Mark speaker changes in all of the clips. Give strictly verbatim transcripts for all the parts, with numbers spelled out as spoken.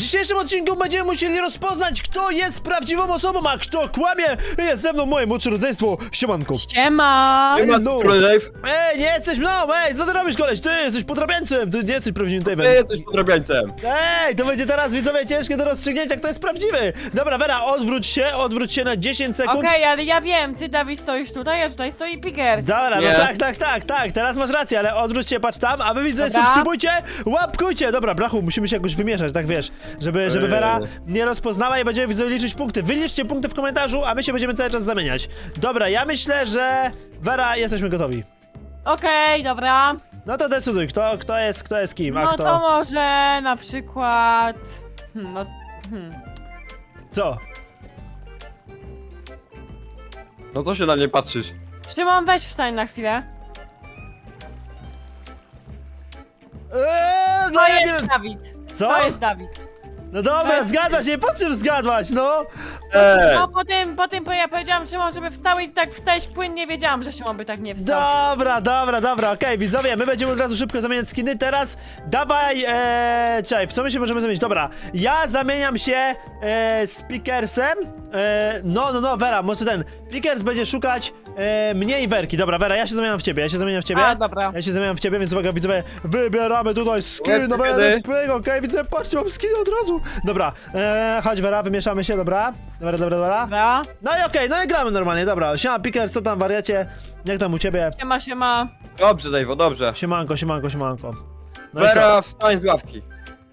Speaker 1: dzisiejszym odcinku będziemy musieli rozpoznać, kto jest prawdziwą osobą, a kto kłamie. Jest ze mną moje młodsze rodzeństwo. Siemanko.
Speaker 2: Siema!
Speaker 3: Nie ma
Speaker 1: no.
Speaker 3: strony Dave.
Speaker 1: Ej, nie jesteś mną, ej, co ty robisz, koleś? Ty jesteś podrabiańcem, ty nie jesteś prawdziwym
Speaker 3: Ty
Speaker 1: Dave'em.
Speaker 3: jesteś podrabiańcem.
Speaker 1: Ej, to będzie teraz, widzowie, ciężkie do rozstrzygnięcia, kto jest prawdziwy. Dobra, Vera, odwróć się, odwróć się na dziesięć sekund.
Speaker 2: Okej, ale ja wiem, ty Dawid stoisz tutaj, a tutaj stoi Pickers.
Speaker 1: Dobra,
Speaker 3: Nie.
Speaker 1: no tak, tak, tak, tak, teraz masz rację, ale odwróć się, patrz tam, a wy widzę,
Speaker 2: Dobra.
Speaker 1: subskrybujcie, łapkujcie. Dobra, Brachu, musimy się jakoś wymieszać, tak wiesz, żeby, żeby
Speaker 3: Ej.
Speaker 1: Vera nie rozpoznała i będziemy widzowie liczyć punkty. Wyliczcie punkty w komentarzu, a my się będziemy cały czas zamieniać. Dobra, ja myślę, że Vera, jesteśmy gotowi.
Speaker 2: Okej, dobra.
Speaker 1: No to decyduj, kto, kto jest, kto jest kim, a
Speaker 2: No
Speaker 1: kto...
Speaker 2: to może na przykład... Hmm, no... Hmm.
Speaker 1: Co?
Speaker 3: No co się na mnie patrzysz?
Speaker 2: Szymon, weź wstań na chwilę.
Speaker 1: Eee, no
Speaker 2: To
Speaker 1: ja nie
Speaker 2: jest
Speaker 1: wiem...
Speaker 2: Dawid.
Speaker 1: Co?
Speaker 2: To jest Dawid.
Speaker 1: No dobra,
Speaker 2: jest-
Speaker 1: zgadłaś, nie po czym zgadłaś, no!
Speaker 3: Ej,
Speaker 2: No po tym, po tym, bo ja powiedziałam Szymon, żeby wstał i tak wstałeś płynnie, wiedziałam, że Szymon by tak nie wstał.
Speaker 1: Dobra, dobra, dobra, okej, widzowie, my będziemy od razu szybko zamieniać skiny. Teraz dawaj, ee, czekaj, w co my się możemy zamienić? Dobra, ja zamieniam się e, z Pickersem. E, no, no, no, Vera, może ten. Pickers będzie szukać e, mnie i Werki. Dobra, Vera, ja się zamieniam w ciebie, ja się zamieniam w ciebie.
Speaker 2: A, dobra.
Speaker 1: Ja się zamieniam w ciebie, więc uwaga, widzowie, wybieramy tutaj skin,
Speaker 3: Lecimy,
Speaker 1: no
Speaker 3: kiedy?
Speaker 1: pyk, okej, widzę, patrzcie, mam skin od razu. Dobra, e, chodź Vera, wymieszamy się, dobra? Dobra, dobra, dobra.
Speaker 2: Dobra.
Speaker 1: No i okej, no i gramy normalnie, dobra. Siema Pickers, co tam, wariacie? Jak tam u ciebie?
Speaker 2: Siema, siema.
Speaker 3: dobrze Dave, dobrze.
Speaker 1: Siemanko, siemanko, siemanko. No i co?
Speaker 3: Vera, wstań z ławki.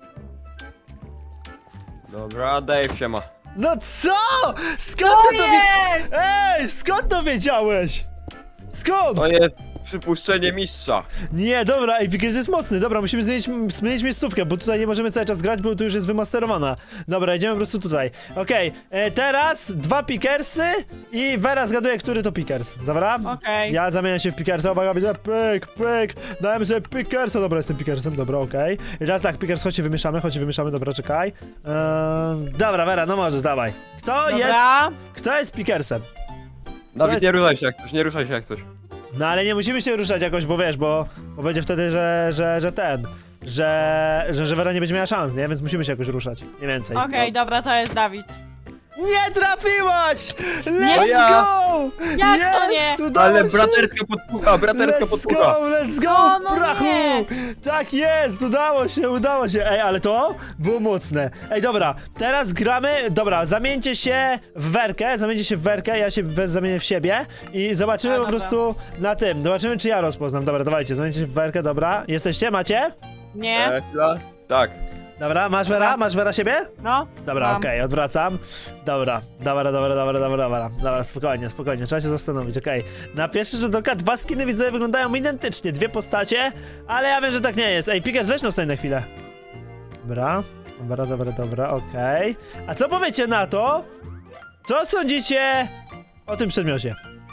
Speaker 3: Dobra, Dave siema.
Speaker 1: No co? Skąd ty to wie...
Speaker 2: Ojej!
Speaker 1: Ej, skąd to wiedziałeś? Skąd?
Speaker 3: To jest przypuszczenie mistrza.
Speaker 1: Nie, dobra, ej, Pickers jest mocny. Dobra, musimy zmienić, zmienić miejscówkę, bo tutaj nie możemy cały czas grać, bo tu już jest wymasterowana. Dobra, idziemy po prostu tutaj. Okej, e, teraz dwa Pickersy i Vera zgaduje, który to Pickers. Dobra?
Speaker 2: Okej.
Speaker 1: Ja zamieniam się w Pickersa, uwaga, widzę, pyk, pyk. Dałem sobie Pickersa, dobra, jestem Pickersem, dobra, okej. I teraz tak, Pickers, chodź się wymieszamy, chodź się wymieszamy, dobra, czekaj. Eee, dobra, Vera, no możesz, dawaj. Kto jest,
Speaker 2: Dobra.
Speaker 1: kto jest Pickersem?
Speaker 3: Dawid,
Speaker 1: jest-
Speaker 3: nie ruszaj się jak coś, nie ruszaj się jak coś.
Speaker 1: No ale nie musimy się ruszać jakoś, bo wiesz, bo, bo będzie wtedy, że, że, że ten, że, że, że Vera nie będzie miała szans, nie? Więc musimy się jakoś ruszać, nie więcej.
Speaker 2: Okej, dobra, to jest Dawid.
Speaker 1: Nie trafiłaś! Let's
Speaker 2: Nie.
Speaker 3: Ja.
Speaker 1: go!
Speaker 2: Jak
Speaker 1: Jest,
Speaker 2: to nie?
Speaker 1: udało
Speaker 3: Ale
Speaker 1: się.
Speaker 3: braterska podpucha, braterska
Speaker 1: Let's
Speaker 3: podpucha.
Speaker 1: go, let's go,
Speaker 2: O, no
Speaker 1: brachu!
Speaker 2: nie.
Speaker 1: Tak jest, udało się, udało się. Ej, ale to było mocne. Ej, dobra, teraz gramy, dobra, zamieńcie się w Werkę, zamieńcie się w Werkę, ja się we- zamienię w siebie i zobaczymy
Speaker 2: A,
Speaker 1: po
Speaker 2: dobra.
Speaker 1: prostu na tym, zobaczymy czy ja rozpoznam. Dobra, dawajcie, zamieńcie się w Werkę, dobra. Jesteście, macie?
Speaker 2: Nie?
Speaker 3: E, chwila. Tak.
Speaker 1: Dobra, masz Wera? Masz Wera siebie?
Speaker 2: No?
Speaker 1: Dobra,
Speaker 2: Mam.
Speaker 1: okej, odwracam. Dobra, dobra, dobra, dobra, dobra, dobra. Dobra, spokojnie, spokojnie, trzeba się zastanowić, okej. Na pierwszy rzut oka dwa skiny widzę wyglądają identycznie, dwie postacie, ale ja wiem, że tak nie jest. Ej, Pickers, weź no stań na chwilę. Dobra, dobra, dobra, dobra, okej. A co powiecie na to? Co sądzicie o tym przedmiocie?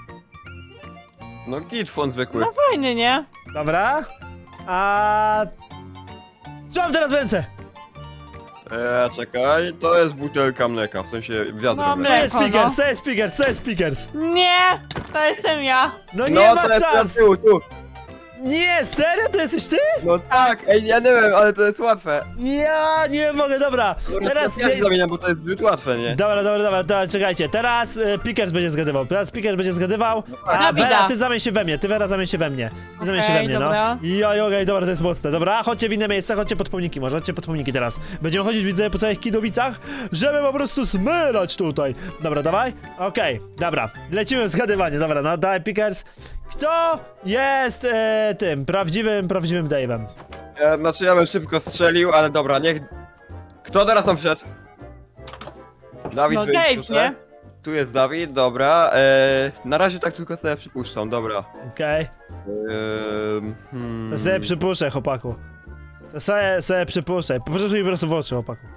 Speaker 3: No gitfon zwykły.
Speaker 2: No fajny, nie?
Speaker 1: Dobra, a... Co mam teraz w ręce?
Speaker 3: E, czekaj, to jest butelka mleka, w sensie wiadro
Speaker 2: No,
Speaker 3: mleka.
Speaker 1: Co jest
Speaker 2: Mleko,
Speaker 1: Pickers,
Speaker 2: no.
Speaker 1: co jest Pickers, co jest Pickers?
Speaker 2: Nie! To jestem ja.
Speaker 1: No nie
Speaker 3: No
Speaker 1: ma
Speaker 3: to jest na
Speaker 1: szans!
Speaker 3: tyłu, tu.
Speaker 1: Nie, serio? To jesteś ty?
Speaker 3: No tak, ej, ja nie wiem, ale to jest łatwe.
Speaker 1: Ja nie mogę, dobra.
Speaker 3: Dobra,
Speaker 1: Teraz.
Speaker 3: ja się
Speaker 1: Nie...
Speaker 3: zamieniam, bo to jest zbyt łatwe, nie?
Speaker 1: Dobra, dobra, dobra, dobra, czekajcie. Teraz y, Pickers będzie zgadywał. Teraz Pickers będzie zgadywał.
Speaker 3: tak.
Speaker 1: A
Speaker 2: Dawida.
Speaker 1: Vera, ty zamień się we mnie. Ty Vera zamień się we mnie. Ty zamień się we
Speaker 2: Okej,
Speaker 1: mnie,
Speaker 2: dobra.
Speaker 1: no. I okej, dobra, to jest mocne. Dobra, chodźcie w inne miejsca, chodźcie pod pomniki, może chodźcie pod pomniki teraz. Będziemy chodzić, widzę, po całych Kidowicach, żeby po prostu smyrać tutaj. Dobra, dawaj. Okej, dobra. Lecimy w zgadywanie. Dobra, no dawaj Pickers. Kto jest e, tym prawdziwym, prawdziwym Dave'em?
Speaker 3: Ja, znaczy ja bym szybko strzelił, ale dobra, niech... Kto teraz tam wszedł? Dawid,
Speaker 2: No
Speaker 3: wyjdź,
Speaker 2: Dave,
Speaker 3: proszę.
Speaker 2: nie?
Speaker 3: Tu jest Dawid, dobra. E, na razie tak tylko sobie przypuszczam, dobra.
Speaker 1: Okej.
Speaker 3: E, hmm.
Speaker 1: To sobie przypuszczę, chłopaku. To sobie, sobie przypuszczę. Popatrz mi po prostu w oczy, chłopaku.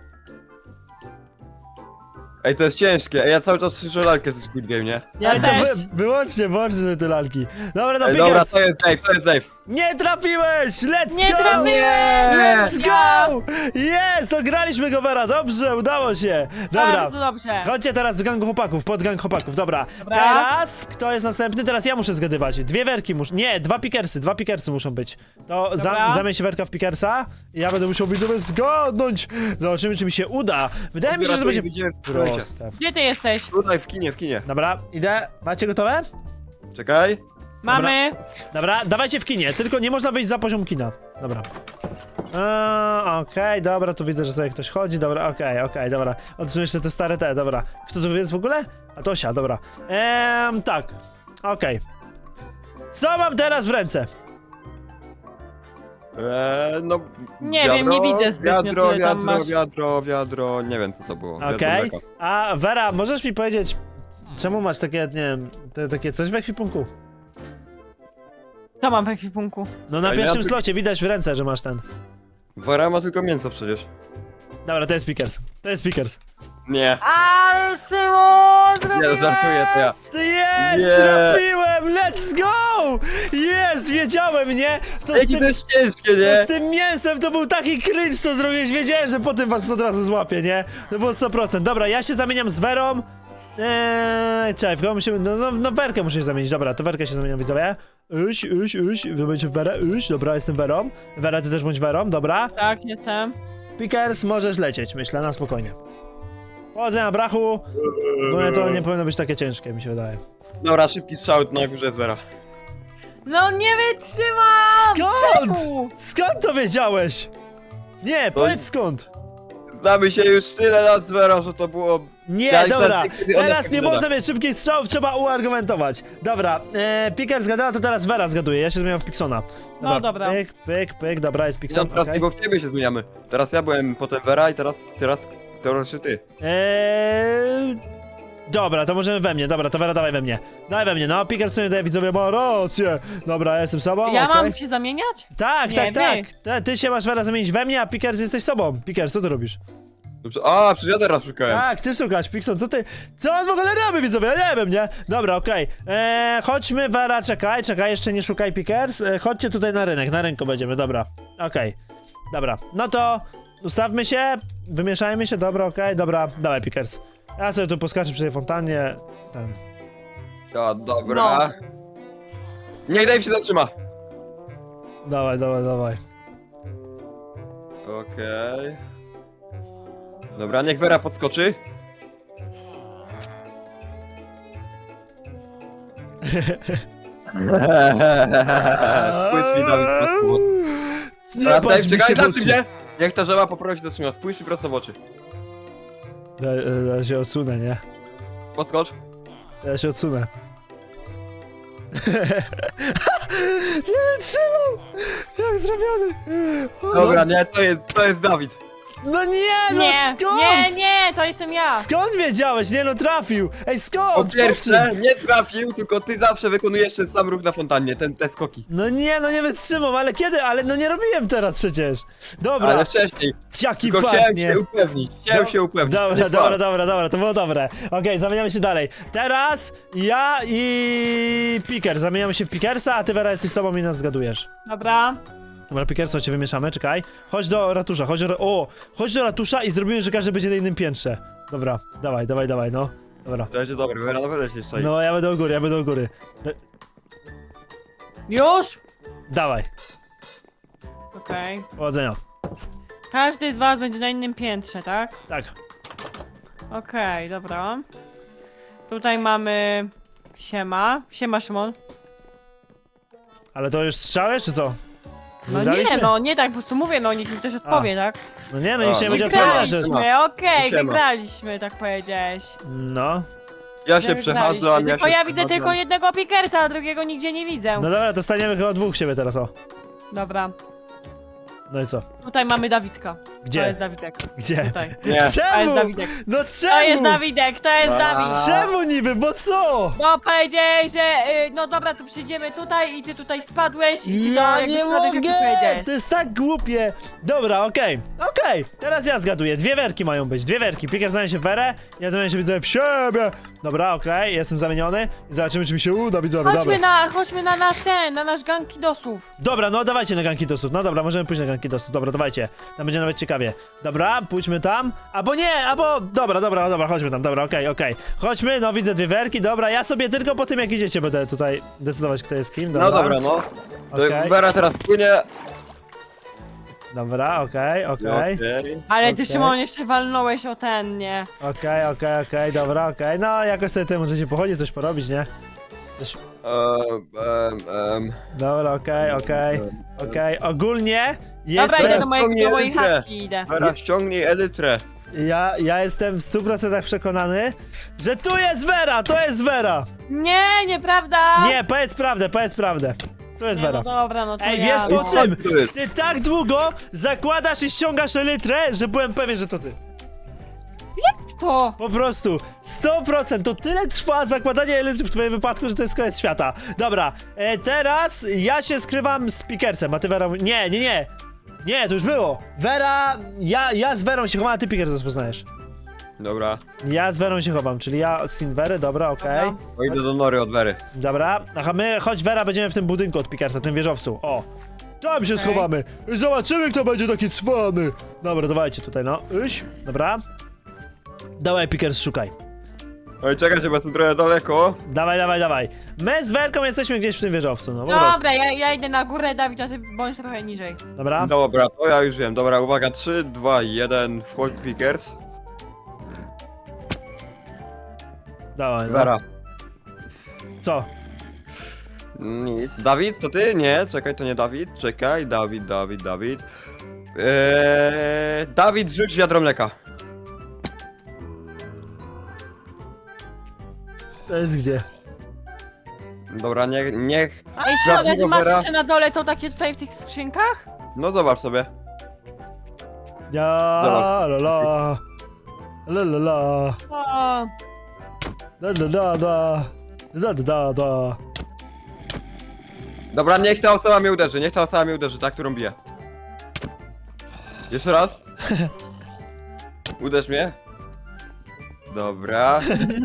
Speaker 3: Ej, to jest ciężkie. Ej, ja cały czas słyszę lalkę ze Squid Game, nie?
Speaker 2: Ja
Speaker 1: Ej, to
Speaker 2: też.
Speaker 1: wy, wyłącznie, wyłącznie te lalki. Dobra, no
Speaker 3: Ej, dobra,
Speaker 1: Pickers.
Speaker 3: to jest Dave, to jest Dave.
Speaker 1: Nie trafiłeś! Let's
Speaker 2: Nie
Speaker 1: go!
Speaker 2: trafiłem!
Speaker 1: Let's go! Jest! Ograliśmy go, Vera, dobrze, udało się. Dobra.
Speaker 2: Bardzo dobrze.
Speaker 1: Chodźcie teraz do gangu chłopaków, pod gang chłopaków, dobra.
Speaker 2: Dobra.
Speaker 1: Teraz, kto jest następny? Teraz ja muszę zgadywać. Dwie werki muszą, nie, dwa pikersy, dwa pikersy muszą być. To za,
Speaker 2: Dobra.
Speaker 1: zamień się werka w pikersa i ja będę musiał widzowie zgadnąć. Zobaczymy, czy mi się uda. Wydaje mi się, że to będzie
Speaker 3: Widzimy w projekcie.
Speaker 1: proste.
Speaker 2: Gdzie ty jesteś?
Speaker 3: Tutaj w kinie, w kinie.
Speaker 1: Dobra, idę. Macie gotowe?
Speaker 3: Czekaj.
Speaker 2: Mamy.
Speaker 1: Dobra, dawajcie w kinie, tylko nie można wyjść za poziom kina. Dobra. Eee, Okej, dobra, tu widzę, że sobie ktoś chodzi, dobra, okej, okej, dobra. Otrzymaj jeszcze te stare te, dobra. Kto tu jest w ogóle? A Tosia, dobra. Eee, tak, okej. Co mam teraz w ręce?
Speaker 3: Eee, no...
Speaker 2: Nie
Speaker 3: wiadro,
Speaker 2: wiem, nie widzę zbytnio,
Speaker 3: Wiadro,
Speaker 2: tyle tam
Speaker 3: wiadro,
Speaker 2: masz.
Speaker 3: wiadro, wiadro, nie wiem co to było. Wiadro
Speaker 1: Okej.
Speaker 3: mleka.
Speaker 1: A Vera, możesz mi powiedzieć, czemu masz takie, nie wiem, te, takie coś w ekwipunku?
Speaker 2: Co mam w ekwipunku?
Speaker 1: No na
Speaker 3: A ja
Speaker 1: pierwszym
Speaker 3: ty-
Speaker 1: slocie widać w ręce, że masz ten.
Speaker 3: Wora ma tylko mięso przecież.
Speaker 1: Dobra, to jest Pickers. To jest Pickers.
Speaker 3: Nie.
Speaker 2: Ale Szymon!
Speaker 3: Nie, no, żartuję, to ja.
Speaker 1: Jest!
Speaker 3: Nie.
Speaker 1: Trafiłem! Let's go! Jest! Wiedziałem, nie? To z
Speaker 3: Jakie
Speaker 1: tym,
Speaker 3: to jest ciężkie,
Speaker 1: to
Speaker 3: nie?
Speaker 1: z tym mięsem to był taki cringe, co zrobiłeś. Wiedziałem, że potem was od razu złapię, nie? To było sto procent. Dobra, ja się zamieniam z Werą. Eee, czekaj, w kogo musimy... No, no, no Werkę muszę się zamienić. Dobra, to Werkę się zamieniam, widzowie. Uś, uś, uś. Wy będziecie w Werę. Uś, dobra, jestem Werą. Wera, ty też bądź Werą, dobra.
Speaker 2: Tak, jestem.
Speaker 1: Pickers, możesz lecieć, myślę, na spokojnie. Powodzenia, brachu. No to nie powinno być takie ciężkie, mi się wydaje.
Speaker 3: Dobra, szybki strzał na górze jest Wera.
Speaker 2: No nie wytrzymam!
Speaker 1: Skąd?
Speaker 2: Czemu?
Speaker 1: Skąd to wiedziałeś? Nie, powiedz skąd.
Speaker 3: Znamy się już tyle lat z Werą, że to było...
Speaker 1: Nie,
Speaker 3: Ja i
Speaker 1: dobra,
Speaker 3: wtedy, kiedy ona
Speaker 1: teraz
Speaker 3: tak
Speaker 1: nie
Speaker 3: gada.
Speaker 1: można mieć szybkich strzałów, trzeba uargumentować. Dobra, e, Picker zgadała, to teraz Vera zgaduje, ja się zmieniam w Piksona.
Speaker 2: No dobra.
Speaker 1: Pyk, pyk, pyk, dobra, jest
Speaker 3: No,
Speaker 1: Pikson,
Speaker 3: teraz
Speaker 1: okej.
Speaker 3: nie, bo w ciebie się zmieniamy. Teraz ja byłem, potem Wera i teraz, teraz teoretycznie ty.
Speaker 1: Eee, dobra, to możemy we mnie, dobra, to Vera dawaj we mnie. Dawaj we mnie, no, Picker sobie daje widzowie, ma rację. Dobra, ja jestem sobą,
Speaker 2: Ja
Speaker 1: okej.
Speaker 2: mam się zamieniać?
Speaker 1: Tak,
Speaker 2: Nie,
Speaker 1: tak,
Speaker 2: wy.
Speaker 1: tak. Te, ty się masz Vera zamienić we mnie, a Pickers jesteś sobą. Pickers, co ty robisz?
Speaker 3: Dobrze. A, przecież ja teraz szukałem.
Speaker 1: Tak, ty szukasz, Pixon, co ty? Co on w ogóle robi, widzowie? Ja nie wiem, nie? Dobra, okej. Eee, chodźmy, Vera, czekaj, czekaj, jeszcze nie szukaj Pickers. Eee, chodźcie tutaj na rynek, na rynku będziemy, dobra. Okej. Dobra, no to ustawmy się, wymieszajmy się, dobra, okej, dobra, dawaj Pickers. Ja sobie tu poskaczę przy tej fontannie. Ten.
Speaker 3: A, dobra. Niech Dave się zatrzyma.
Speaker 1: Dawaj, dawaj, dawaj.
Speaker 3: Okej. Dobra, niech Wera podskoczy. Spójrz mi, Dawid, prosto w oczy.
Speaker 1: Nie
Speaker 3: Dobra,
Speaker 1: patrz
Speaker 3: Dave,
Speaker 1: mi
Speaker 3: czekaj,
Speaker 1: się w
Speaker 3: zatrzym
Speaker 1: oczy.
Speaker 3: się! Niech ta żaba poprosi zatrzyma, spójrz mi prosto w oczy.
Speaker 1: Ja, ja, ja się odsunę, nie?
Speaker 3: Podskocz.
Speaker 1: Ja się odsunę. Nie wytrzymał! Jak zrobiony! O,
Speaker 3: Dobra, nie, to jest, to jest Dawid.
Speaker 1: No nie, no
Speaker 2: Nie,
Speaker 1: skąd?
Speaker 2: nie, nie, to jestem ja.
Speaker 1: Skąd wiedziałeś? Nie no, trafił! Ej, skąd?
Speaker 3: Po
Speaker 1: Po
Speaker 3: pierwsze,
Speaker 1: czym?
Speaker 3: nie trafił, tylko ty zawsze wykonujesz ten sam ruch na fontannie, ten, te skoki.
Speaker 1: No nie, no nie wytrzymam, ale kiedy? Ale no nie robiłem teraz przecież. Dobra,
Speaker 3: Ale wcześniej,
Speaker 1: jaki
Speaker 3: tylko
Speaker 1: fakt,
Speaker 3: chciałem
Speaker 1: nie?
Speaker 3: się upewnić, chciałem
Speaker 1: Do-
Speaker 3: się upewnić.
Speaker 1: Dobra,
Speaker 3: nie
Speaker 1: dobra,
Speaker 3: fart.
Speaker 1: dobra, dobra, to było dobre. Okej, zamieniamy się dalej. Teraz ja i Picker, zamieniamy się w Pickersa, a ty Vera jesteś sobą i nas zgadujesz.
Speaker 2: Dobra.
Speaker 1: Dobra, Pickersa cię wymieszamy, czekaj. Chodź do ratusza, chodź do... O! Chodź do ratusza i zrobimy, że każdy będzie na innym piętrze. Dobra, dawaj, dawaj, dawaj, no. Dobra.
Speaker 3: To będzie dobre, Wera naprawdę się szczai.
Speaker 1: No, ja będę u góry, ja będę u góry. Da-
Speaker 2: Już?
Speaker 1: Dawaj,
Speaker 2: Okej.
Speaker 1: powodzenia.
Speaker 2: Każdy z was będzie na innym piętrze, tak?
Speaker 1: Tak.
Speaker 2: Okej, dobra. Tutaj mamy... Siema. Siema, Szymon.
Speaker 1: Ale to już strzałeś, czy co?
Speaker 2: No
Speaker 1: Wygraliśmy?
Speaker 2: nie, no nie tak, po prostu mówię, no niech mi też odpowie, tak?
Speaker 1: No nie, no nikt
Speaker 3: A,
Speaker 1: się nie
Speaker 3: no
Speaker 1: będzie
Speaker 3: wygraliśmy.
Speaker 1: odpowiadać. że-
Speaker 2: Wygraliśmy, okej,
Speaker 3: Siema.
Speaker 2: wygraliśmy, tak powiedziałeś.
Speaker 1: No.
Speaker 3: Ja się
Speaker 2: Wygraliśmy.
Speaker 3: przechadzam, ja
Speaker 2: Tylko
Speaker 3: się
Speaker 2: ja widzę
Speaker 3: przechadzam.
Speaker 2: tylko jednego Pickersa, a drugiego nigdzie nie widzę.
Speaker 1: No dobra, to staniemy chyba dwóch siebie teraz, o.
Speaker 2: Dobra.
Speaker 1: No i co?
Speaker 2: Tutaj mamy Dawidka.
Speaker 1: Gdzie?
Speaker 2: To jest Dawidek.
Speaker 1: Gdzie?
Speaker 2: Tutaj.
Speaker 3: Nie.
Speaker 2: To jest
Speaker 1: Czemu?
Speaker 2: Dawidek.
Speaker 1: No
Speaker 2: To jest
Speaker 1: czemu?
Speaker 2: Dawidek, to jest
Speaker 3: A.
Speaker 2: Dawid.
Speaker 1: Czemu niby, bo co?
Speaker 2: No powiedziałeś, że y, no dobra, to przyjdziemy tutaj i ty tutaj spadłeś i ty to
Speaker 1: Ja
Speaker 2: jakby
Speaker 1: nie
Speaker 2: spadłeś, jak ty
Speaker 1: mogę!
Speaker 2: powiedziałeś.
Speaker 1: To jest tak głupie! Dobra, okej, okej, teraz ja zgaduję. Dwie werki mają być, dwie werki. Piker zamienia się w werę, ja zamieniam się widzę w siebie. Dobra, okej, jestem zamieniony i zobaczymy, czy mi się uda, widzowie, dobra.
Speaker 2: Chodźmy na, chodźmy na nasz ten, na nasz gang kidosów.
Speaker 1: Dobra, no dawajcie na ganki dosów. No dobra, możemy pójść na ganki dosów. Dobra, dawajcie. Tam będzie nawet ciekawie. Dobra, pójdźmy tam. Albo nie, albo... Dobra, dobra, dobra, chodźmy tam. Dobra, okej, okej. Chodźmy, no widzę dwie werki. Dobra, ja sobie tylko po tym, jak idziecie, będę tutaj decydować, kto jest kim. Dobra.
Speaker 3: No dobra, no. To
Speaker 1: Okej.
Speaker 3: Vera teraz płynie.
Speaker 1: Dobra, okej, okej.
Speaker 3: Okej.
Speaker 2: Ale ty,
Speaker 1: Okej.
Speaker 2: Szymon, jeszcze walnąłeś o ten, nie?
Speaker 1: Okej, okej, okej, dobra, okej. No, jakoś sobie tutaj możecie pochodzić, coś porobić, nie? Coś...
Speaker 3: Em, em, em.
Speaker 1: Dobra, okej, okej, okej. Ogólnie
Speaker 2: Dobra,
Speaker 1: jestem...
Speaker 2: idę do mojej,
Speaker 3: Ściągnij
Speaker 2: do mojej
Speaker 3: elytrę.
Speaker 2: chatki, idę.
Speaker 3: Vera, ściągnij elytrę.
Speaker 1: Ja, ja jestem w stu procentach przekonany, że tu jest Vera, to jest Vera!
Speaker 2: Nie, nieprawda!
Speaker 1: Nie, powiedz prawdę, powiedz prawdę. Tu jest
Speaker 2: Nie,
Speaker 1: Vera.
Speaker 2: no dobra, no to
Speaker 1: Ej,
Speaker 2: ja,
Speaker 1: wiesz
Speaker 2: no.
Speaker 1: po czym?
Speaker 3: Tu jest.
Speaker 1: Ty tak długo zakładasz i ściągasz elytrę, że byłem pewien, że to ty.
Speaker 2: Kto?
Speaker 1: Po prostu, sto procent, to tyle trwa zakładanie elytry w twoim wypadku, że to jest koniec świata. Dobra, e, teraz ja się skrywam z Pikersem, a ty Vera... Nie, nie, nie. Nie, to już było. Vera, ja, ja z Verą się chowam, a ty Pikers rozpoznajesz.
Speaker 3: Dobra.
Speaker 1: Ja z Verą się chowam, czyli ja z Wery, dobra, okej.
Speaker 2: Dobra.
Speaker 3: O, idę do nory od Wery.
Speaker 1: Dobra, aha, my, chodź Vera, będziemy w tym budynku od Pikersa, tym wieżowcu, o. Tam się
Speaker 2: Okej.
Speaker 1: schowamy i zobaczymy, kto będzie taki cwany. Dobra, dawajcie tutaj, no, iść, dobra. Dawaj, Pikers, szukaj.
Speaker 3: Oj, czekajcie, bo jestem trochę daleko.
Speaker 1: Dawaj, dawaj, dawaj. My z Werką jesteśmy gdzieś w tym wieżowcu, no po prostu.
Speaker 2: Dobra, ja, ja idę na górę, Dawid, a ty bądź trochę niżej.
Speaker 1: Dobra,
Speaker 3: Dobra, to ja już wiem. Dobra, uwaga, trzy, dwa, jeden, wchodź Pickers.
Speaker 1: dawaj, no.
Speaker 3: Vera.
Speaker 1: Co?
Speaker 3: Nic. Dawid, to ty? Nie, czekaj, to nie Dawid. Czekaj, Dawid, Dawid, Dawid. Eee, Dawid, rzuć wiadro mleka.
Speaker 1: To jest gdzie?
Speaker 3: Dobra, niech, niech...
Speaker 2: Ej, Szymon, a ty
Speaker 3: Prawdziwa
Speaker 2: masz
Speaker 3: Vera.
Speaker 2: jeszcze na dole to takie tutaj w tych skrzynkach?
Speaker 3: No zobacz sobie.
Speaker 1: Ja,
Speaker 3: Zobacz.
Speaker 1: la la. La la la.
Speaker 2: O,
Speaker 1: Da da da da. Da da da da.
Speaker 3: Dobra, niech ta osoba mnie uderzy, niech ta osoba mnie uderzy, ta, którą bije. Jeszcze raz. Uderz mnie. Dobra.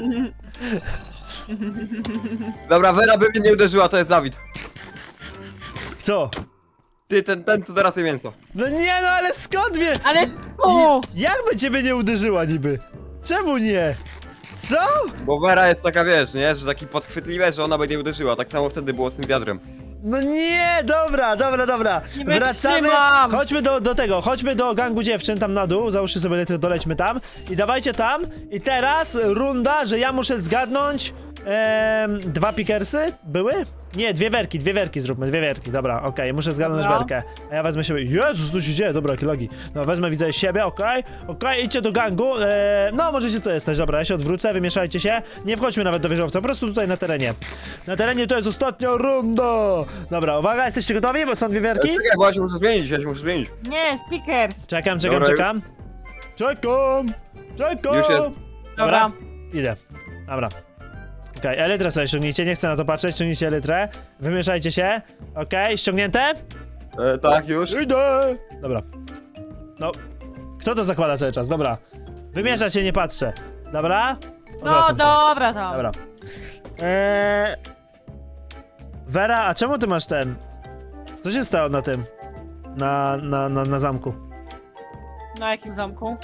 Speaker 3: Dobra, Vera by mnie nie uderzyła, to jest Dawid.
Speaker 1: Kto?
Speaker 3: Ty, ten, ten co teraz je mięso.
Speaker 1: No nie, no ale skąd wie?
Speaker 2: ale o,
Speaker 1: Jakby ciebie nie uderzyła niby? Czemu nie? Co?
Speaker 3: Bo Vera jest taka, wiesz, nie? Że taki podchwytliwe, że ona by nie uderzyła. Tak samo wtedy było z tym wiadrem.
Speaker 1: No nie, dobra, dobra, dobra.
Speaker 2: Nie
Speaker 1: Wracamy.
Speaker 2: wytrzymam.
Speaker 1: Chodźmy do, do tego, chodźmy do gangu dziewczyn tam na dół. Załóżcie sobie letry, dolećmy tam. I dawajcie tam. I teraz runda, że ja muszę zgadnąć. Em, dwa pikersy były? Nie, dwie werki, dwie werki zróbmy, dwie werki, dobra, okej, muszę zgadnąć
Speaker 2: Dobra.
Speaker 1: werkę. A ja wezmę siebie. Jezus, tu się dzieje, dobra, jakie logi. No, wezmę, widzę siebie, okej, okej, idźcie do gangu. E, no, możecie to jesteś, dobra, ja się odwrócę, wymieszajcie się. Nie wchodźmy nawet do wieżowca, po prostu tutaj na terenie. Na terenie to jest ostatnia runda. Dobra, uwaga, jesteście gotowi, bo są dwie werki?
Speaker 3: Czekaj, bo ja się muszę zmienić, ja się muszę zmienić.
Speaker 2: nie, speakers.
Speaker 1: Czekam, czekam,
Speaker 3: Dobra,
Speaker 1: czekam. Czekam, czekam.
Speaker 3: Już jest.
Speaker 2: Dobra.
Speaker 1: Idę. Dobra. Okej, okay, elytrę sobie ściągnijcie, nie chcę na to patrzeć, ściągnijcie elytrę. Wymieszajcie się. Okej, okay, ściągnięte?
Speaker 3: E, tak, już.
Speaker 1: Idę! Dobra. No, kto to zakłada cały czas? Dobra. Wymieszać się, nie patrzę. Dobra?
Speaker 2: No
Speaker 1: Odwracam się.
Speaker 2: dobra tam.
Speaker 1: Dobra. Eee... Vera, a czemu ty masz ten? Co się stało na tym? Na, na, na, na zamku.
Speaker 2: Na jakim zamku?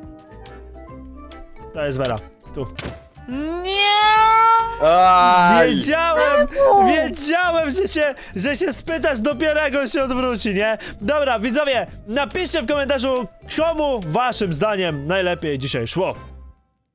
Speaker 1: To jest Vera. Tu.
Speaker 2: Nie!
Speaker 3: Aj.
Speaker 1: Wiedziałem! Wiedziałem, że się, że się spytasz dopiero jak on się odwróci, nie? Dobra, widzowie, napiszcie w komentarzu, komu waszym zdaniem najlepiej dzisiaj szło.